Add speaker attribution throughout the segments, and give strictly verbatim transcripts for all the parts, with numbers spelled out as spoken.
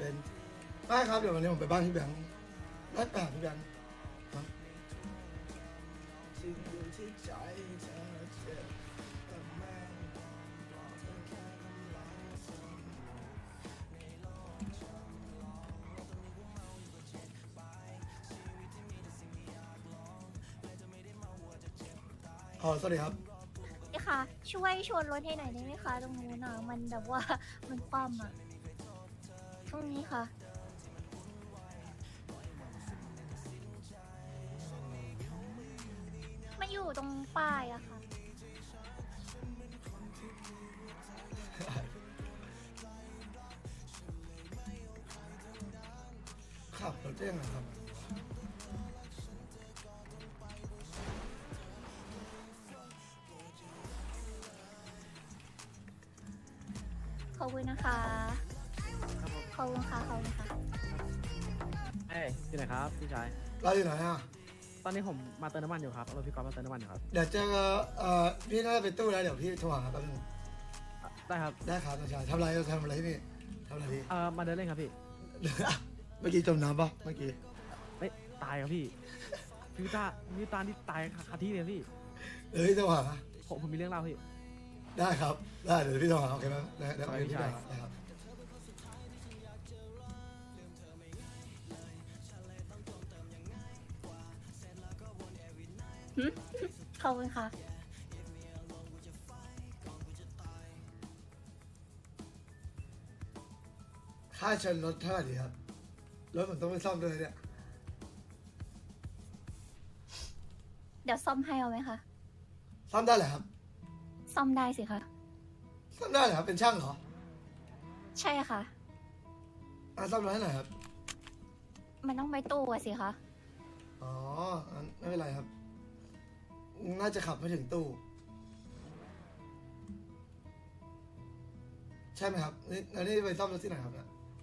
Speaker 1: เป็นได้ครับเดี๋ยววันนี้ผมไปบ้านพี่แบงค์ได้แปดพี่แบงค์ครับอ๋อสวัสดีครับ
Speaker 2: นี่ค่ะ ช่วยชวนรถให้หน่อยได้ไหมคะตรงนู้นอ่ะมันแบบว่า มันคว่ำอ่ะตรงนี้ค่ะ มาอยู่ตรงป้ายอะค่ะ
Speaker 1: ขับรถได้ยังไงครับ
Speaker 2: ขอบคุณนะคะ ขอบคุณค่ะ ขอบคุณค่ะ
Speaker 3: เอ้ยอยู่ไหนครับพี่ชาย
Speaker 1: เราอยู่ไหนอ่ะ
Speaker 3: ตอนนี้ผมมาเติมน้ำมันอยู่ครับเอารถพี่ก๊อฟมาเติมน้ำมันอยู่ครับ
Speaker 1: เดี๋ยวเจอเอ่อพี่น่าจะไปตู้แล้วเดี๋ยวพี่โทรหาครับแป๊บนึง
Speaker 3: อ่ะได้ครับ
Speaker 1: ได้ครับน้องชายทำอะไรทำอะไรที่นี่ทำอะไรพี่
Speaker 3: เอ่อมาเดินเล่นครับพี่
Speaker 1: เมื่อกี้จมน้ำปะเมื่อกี้
Speaker 3: ไม่ตายครับพี่พี่วิตาพี่วิตาที่ตายคาที่เลยพี่
Speaker 1: เอ้ยโทรหา
Speaker 3: ผมผมมีเรื่องเล่าพี่
Speaker 1: ได้ครับได้เดี๋ยวพี่โทรหาโอเคไหมได้ได้
Speaker 3: ขอบคุณ
Speaker 1: พี่
Speaker 3: พี่
Speaker 1: โทร
Speaker 3: ชาย
Speaker 1: หาได้ครับ
Speaker 2: ขอบคุณค่ะ
Speaker 1: ค่าชนรถเท่าไหร่ดีครับรถผมต้องไปซ่อมด้วยเนี่ย
Speaker 2: เดี๋ยวซ่อมให้เอาไหมคะ
Speaker 1: ซ่อมได้เหรอครับ
Speaker 2: ซ่อมได้สิคะ
Speaker 1: ซ่อมได้เหรอครับเป็นช่างเหรอ
Speaker 2: ใช่ค่ะ
Speaker 1: อ่ะซ่อมรถให้หน่อยครับ
Speaker 2: มันต้องไปตู้อะสิคะ
Speaker 1: อ๋องั้นไม่เป็นไรครับ น่าจะขับไม่ถึงตู้ ใช่ไหมครับนี่แล้วนี่ไปซ่อมรถที่ไหนครับเนี่ย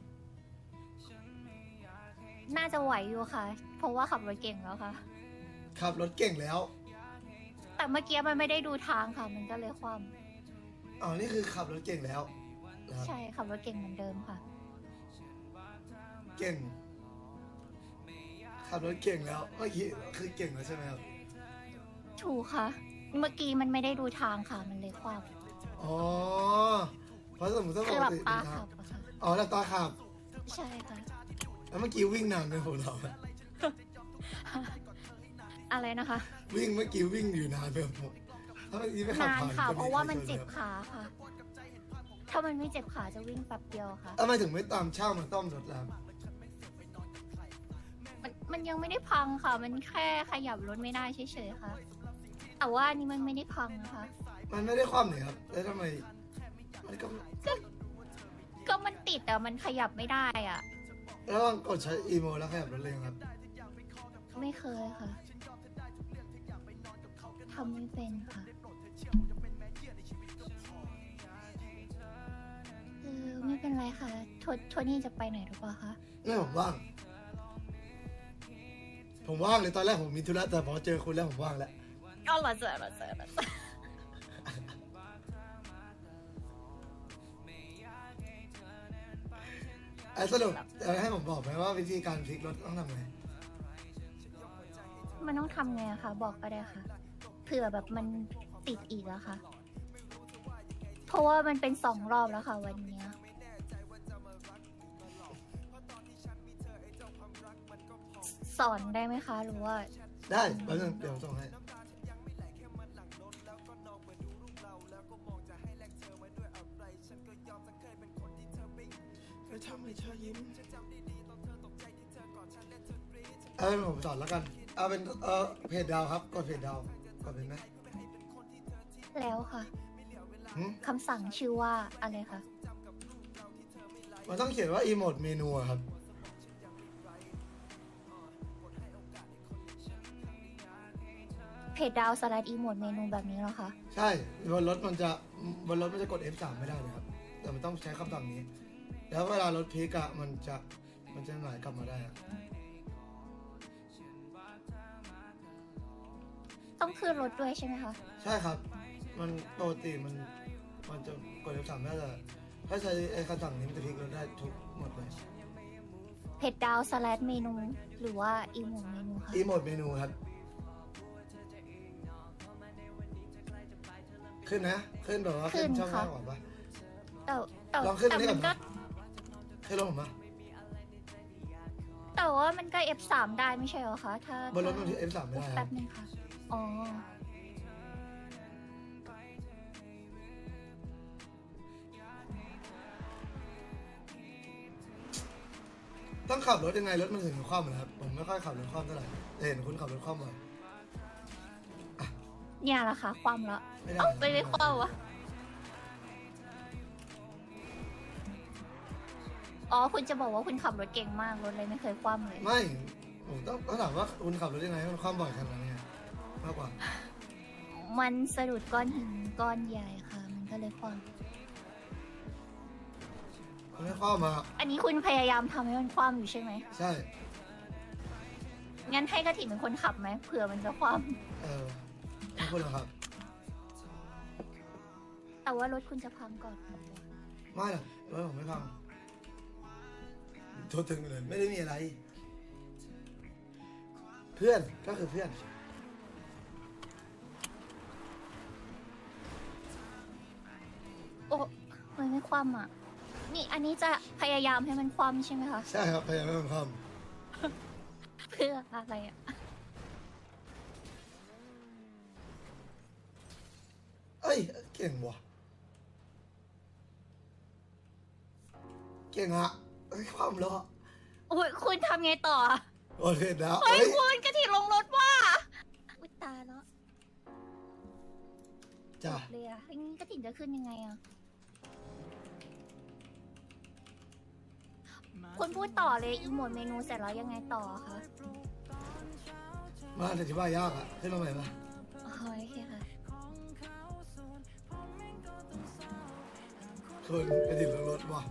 Speaker 2: น่าจะไหวอยู่ค่ะ เพราะว่าขับรถเก่งแล้วค่ะ
Speaker 1: ขับรถเก่งแล้ว
Speaker 2: แต่เมื่อกี้มันไม่ได้ดูทางค่ะ มันก็เลยคว่
Speaker 1: อ๋อนี่คือขับรถเก่งแล้วนะค
Speaker 2: ำ
Speaker 1: รับ
Speaker 2: ใช่ขับรถเก่งเหมือนเดิมค่ะ
Speaker 1: เก่ง ขับรถเก่งแล้วเมื่อกี้คือเก่งแล้วใช่ไหมครับ
Speaker 2: ถูกค่ะ เมื่อกี้มันไม่ได้ดูทางค่ะ มันเลยคว่
Speaker 1: อ๋อเพราะสมมติถ้า
Speaker 2: ำ
Speaker 1: ป
Speaker 2: คือก หลับ
Speaker 1: ติ
Speaker 2: ตา
Speaker 1: นะค
Speaker 2: ขั
Speaker 1: รับบ
Speaker 2: อะค่ะ
Speaker 1: อ๋อหลับตาขับ
Speaker 2: ใช่ค่ะ
Speaker 1: แล้วเมื่อกี้วิ่งนานเลยผมเรา
Speaker 2: อะไรนะคะ
Speaker 1: วิ่งเมื่อกี้วิ่งอยู่นานไปผมถ้าเมื่อกี้ไม่ขับ
Speaker 2: นาน
Speaker 1: ผ่าน
Speaker 2: ค่ะ
Speaker 1: ก็
Speaker 2: เพราะว่ามัน
Speaker 1: ใคช
Speaker 2: เจ็บ
Speaker 1: ครับ
Speaker 2: ขาค่ะ ถ้ามันไม่เจ็บขาจะวิ่งแป๊บเดียวค่ะ
Speaker 1: ทำไมถึงไม่ตามช่างมาซ่อมรถแล้ว
Speaker 2: มันมันยังไม่ได้พังค่ะ มันแค่ขยับรถไม่ได้เฉยๆค่ะ แต่ว่าอันนี้มันไม่ได้พังนะคะ
Speaker 1: มันไม่ได้ความเนี่ยครับ แล้วทำไม มันก็
Speaker 2: ก็มันติดแต่มันขยับไม่ได้อ่ะ
Speaker 1: แล้วลองกดใช้อีโมแล้วขยับรถเลยครับ
Speaker 2: ไม่เคยค่ะ ทำไม่เป็นค่ะเออไม่เป็นไรค่ะโทโทนี่จะไปไหนหรือเปล่าคะ
Speaker 1: ไม่ผมว่าง ผมว่างเลยตอนแรกผมมีธุระแต่พอเจอคุณแล้วผมว่างแล้ว
Speaker 2: ก็รอเจอรอเจอรอเจอ
Speaker 1: ไอ้สรุปจะให้ผมบอกไหมว่าวิธีการพลิกรถต้องทำไง
Speaker 2: มันต้องทำไงอะคะ บอกก็ได้ค่ะ เผื่อแบบมันติดอีกอะค่ะ เพราะว่ามันเป็นสองรอบแล้วค่ะวันเนี้ยสอนได้ไหมคะ หรือว่า
Speaker 1: ได้แป๊บนึงเดี๋ยวส่งให้ เอาเป็นผมสอนแล้วกัน เอาเป็นเออเพจดาวครับ กดเพจดาวกดเป็นไหม
Speaker 2: แล้วค่ะ
Speaker 1: หึ
Speaker 2: คำสั่งชื่อว่าอะไรคะ
Speaker 1: มันต้องเขียนว่าอีโมดเมนูอะครับ
Speaker 2: เพจดาวสลัดอีโมดเมนูแบบนี้เหรอคะ
Speaker 1: ใช่บนรถมันจะบนรถมันจะกด เอฟ สาม ไม่ได้นะครับ แต่มันต้องใช้คำสั่งนี้ แล้วเวลารถพลิกอะมันจะมันจะไหลกลับมาได้อะ
Speaker 2: ต้องขึ้นรถด้วยใช่ไหมคะ
Speaker 1: ใช่ครับ มันปกติมันมันจะกด เอฟ สาม ได้แต่ถ้าใช้ไอ้คำสั่งนี้มันจะพลิกรถได้ทุกหมดเลย
Speaker 2: ผ็ดดาวสลัดเมนู หรือว่าอีโมเมนูคะ
Speaker 1: อีโมดเมนูครับ ขึ้นนะ ขึ้นแบบว่าขึ้นช่องล่างก่อนปะ
Speaker 2: แต่แต่
Speaker 1: ลองขึ้น
Speaker 2: แต่
Speaker 1: นี่ก่
Speaker 2: มั
Speaker 1: อน
Speaker 2: นก็
Speaker 1: นะ ขึ้นลงผมมา
Speaker 2: แต่ว่ามันก็ เอฟ สาม ได้ไม่ใช่เหรอคะ ถ้า
Speaker 1: บนรถมันที่ เอฟ สาม ไม่ได้ค
Speaker 2: แป๊
Speaker 1: รับบ
Speaker 2: นึงค่ะ อ๋อ
Speaker 1: ต้องขับรถยังไงรถมันถึงคว่ำนะครับ ผมไม่ค่อยขับรถคว่ำเท่าไหร่แต่เห็นคุณขับรถคว่ำบ่อย
Speaker 2: เนี่ยแหละค่ะ ความละ
Speaker 1: ไม่ได้
Speaker 2: เอ้าไปไม่ความวะ อ๋อ คุณจะบอกว่าคุณขับรถเก่งมาก รถเลยไม่เคยคว่ำเลย
Speaker 1: ไม่ ผมต้องต้องถามว่าคุณขับรถยังไงให้มันคว่ำบ่อยขนาดนี้มากกว่า
Speaker 2: มันสะดุดก้อนหินก้อนใหญ่ค่ะ มันก็เลยคว่
Speaker 1: มันไม่คว่ำมา
Speaker 2: ำอันนี้คุณพยายามทำให้มันคว่ำอยู่ใช่ไหม
Speaker 1: ใช่
Speaker 2: งั้นให้กระถิ่นเป็นคนขับไหมเผื่อมันจะคว่
Speaker 1: เออไม่คุณเหรอครับ
Speaker 2: ำแต่ว่ารถคุณจะพังก่อน
Speaker 1: ไม่หรอกรถผมไม่พังโทษถึงเลยไม่ได้มีอะไร เพื่อนก็คือเพื่อน
Speaker 2: โอ้มันไม่คว่ำอ่ะ นี่อันนี้จะพยายามให้มันคว่ำใช่ไหมคะ
Speaker 1: ใช่ครับพยายามให้มันคว่
Speaker 2: เพื่ออะไรอ่ะ
Speaker 1: ำเอ้ยเก่งว่ะเก่งอะเอ้ยคว่ำแล้วอะ
Speaker 2: โอ้ยคุณทำไงต่ออะ
Speaker 1: โอเคนะ
Speaker 2: เฮ้ย
Speaker 1: เอ้ย
Speaker 2: คุณกระถิ่นลงรถว่าอุ้ยตายแล้ว
Speaker 1: จ้ะ
Speaker 2: เลยอ่ะงั้นกระถิ่นจะขึ้นยังไงอ่ะ คุณพูดต่อเลยอีโมดเมนูเสร็จแล้วยังไงต่อคะ
Speaker 1: มาอธิบายยากอะขึ้นมาใหม่ปะ
Speaker 2: อ๋อโอเคค่ะ
Speaker 1: คนไปติดรถว่ะ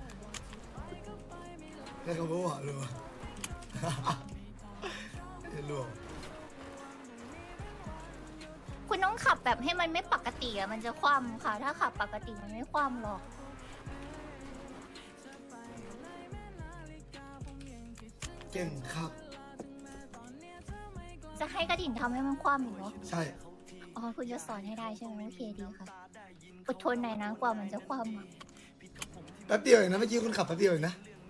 Speaker 1: แค่คำว่าว่ะรู้ป่ะ เห็นรู้
Speaker 2: คุณต้องขับแบบให้มันไม่ปกติอ่ะมันจะคว่ำค่ะ ถ้าขับปกติมันไม่คว่ำหรอก
Speaker 1: เก่งครับ
Speaker 2: จะให้กระถิ่นทำให้มันคว่ำอยู่เนาะ
Speaker 1: ใช่
Speaker 2: อ๋อคุณจะสอนให้ได้ใช่ไหมโอเคดีค่ะอดทนหน่อยนะกว่ามันจะคว่ำอ่ะ
Speaker 1: แป๊บเดียวเองนะเมื่อกี้คุณขับแป๊บเดียวเองนะ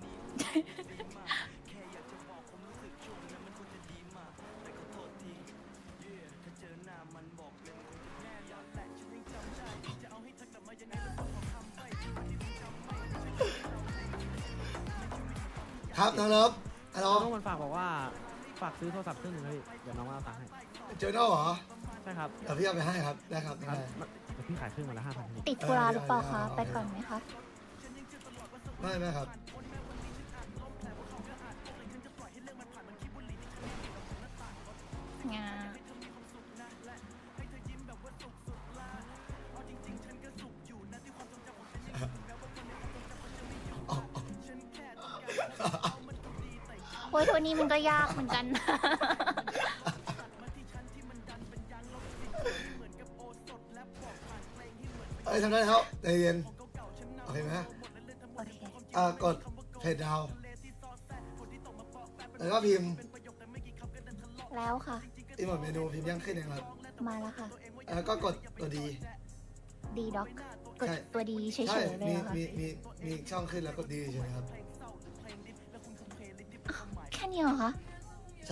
Speaker 1: ครับน้องลบฮัลโหล
Speaker 3: น้องมันฝากบอกว่าฝากซื้อโทรศัพท์เครื่องหนึงเลยเดี๋ยวน้องเอาตังค์ให้
Speaker 1: เจอหน้าเหรอ
Speaker 3: ใช่ครับ
Speaker 1: เดี๋ยวพี่เอาไปให้ครับได้ครับ
Speaker 3: ค
Speaker 1: ได้
Speaker 3: รับเดี๋ยวพี่ขายเครื่องมาละห้าพัน
Speaker 2: ติดธุระหรือเปล่าคะ
Speaker 1: เออ
Speaker 2: ไปก่อนไหมคะ
Speaker 1: ไม่ไม่ครับ
Speaker 2: งา โอ้ยโทนี่มันก็ยากเหมือนกัน
Speaker 1: เอ้ยทำได้แล้วใจเย็นโอเคไหม
Speaker 2: โอเค
Speaker 1: อ่ากดเพจดาวแล้วก็พิมพ์
Speaker 2: แล้วค่ะ
Speaker 1: อีหมดเมนูพิมพ์ยังขึ้นเองครับ
Speaker 2: มาแล้วค่ะ
Speaker 1: แล้วก็กดตัวดี
Speaker 2: ดีด็อก กด
Speaker 1: ใช่
Speaker 2: ตัวดีเฉย
Speaker 1: ใช่
Speaker 2: ๆเลย
Speaker 1: มี
Speaker 2: เหรอค่ะ
Speaker 1: มีมีมีช่องขึ้นแล้วกดดีเฉยๆครับ
Speaker 2: แค่นี้เหรอคะ
Speaker 1: ใช่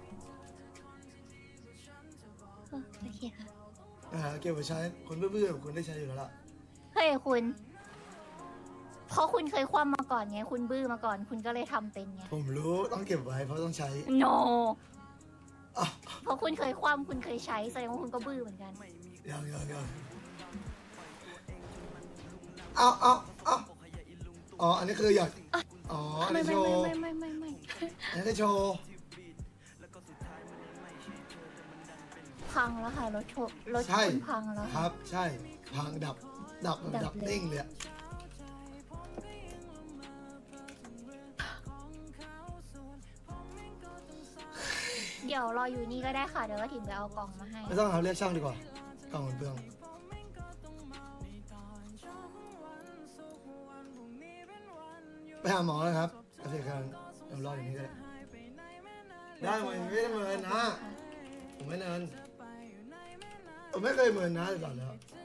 Speaker 2: เออโอเคค่ะ
Speaker 1: อ่าเก็บไว้ใช้คนเบื่อๆคุณได้ใช้อยู่แล้วล่ะ
Speaker 2: เฮ้ยคุณ เพราะคุณเคยคว่ำมาก่อนไง คุณบื้อมาก่อน คุณก็เลยทำเป็นไง
Speaker 1: ผมรู้ต้องเก็บไว้เพราะต้องใช้
Speaker 2: no
Speaker 1: อ่ะ
Speaker 2: เพราะคุณเคยคว่ำคุณเคยใช้แสดงว่าคุณก็บื้อเหมือนกัน
Speaker 1: ยังยังยังเอาเอาเอาอ๋ออันนี้คืออยากอ๋ออัน
Speaker 2: ไม่
Speaker 1: นี้
Speaker 2: ไม่
Speaker 1: โชว์
Speaker 2: ไม่ไม่ไม่ไม่ไม่
Speaker 1: อันนี้คือโชว์
Speaker 2: พังแล้วค่ะรถโชว์รถ
Speaker 1: ใช่
Speaker 2: คุณพังแล้ว
Speaker 1: ค
Speaker 2: ค่ะ
Speaker 1: รับใช่พังดับดับแบบ
Speaker 2: ดั
Speaker 1: ดั
Speaker 2: บบ เลย
Speaker 1: นิ่งเลยอะ
Speaker 2: เดี๋ยวรออยู่นี่ก็ได้ค่ะ เดี๋ยวก็ถิ่นไปเอากล่องมาให้
Speaker 1: ไม่ต้องเอาเรียกช่างดีกว่ากล่องมันเปลืองไปหาหมอเลยครับโอเคครับไปดี๋ยวรออย่างนี้ก็ได้ได้มันไม่ได้เมินนะผมไม่เนินผมไม่เคยเมินนะตลอดแล้ว
Speaker 2: ไ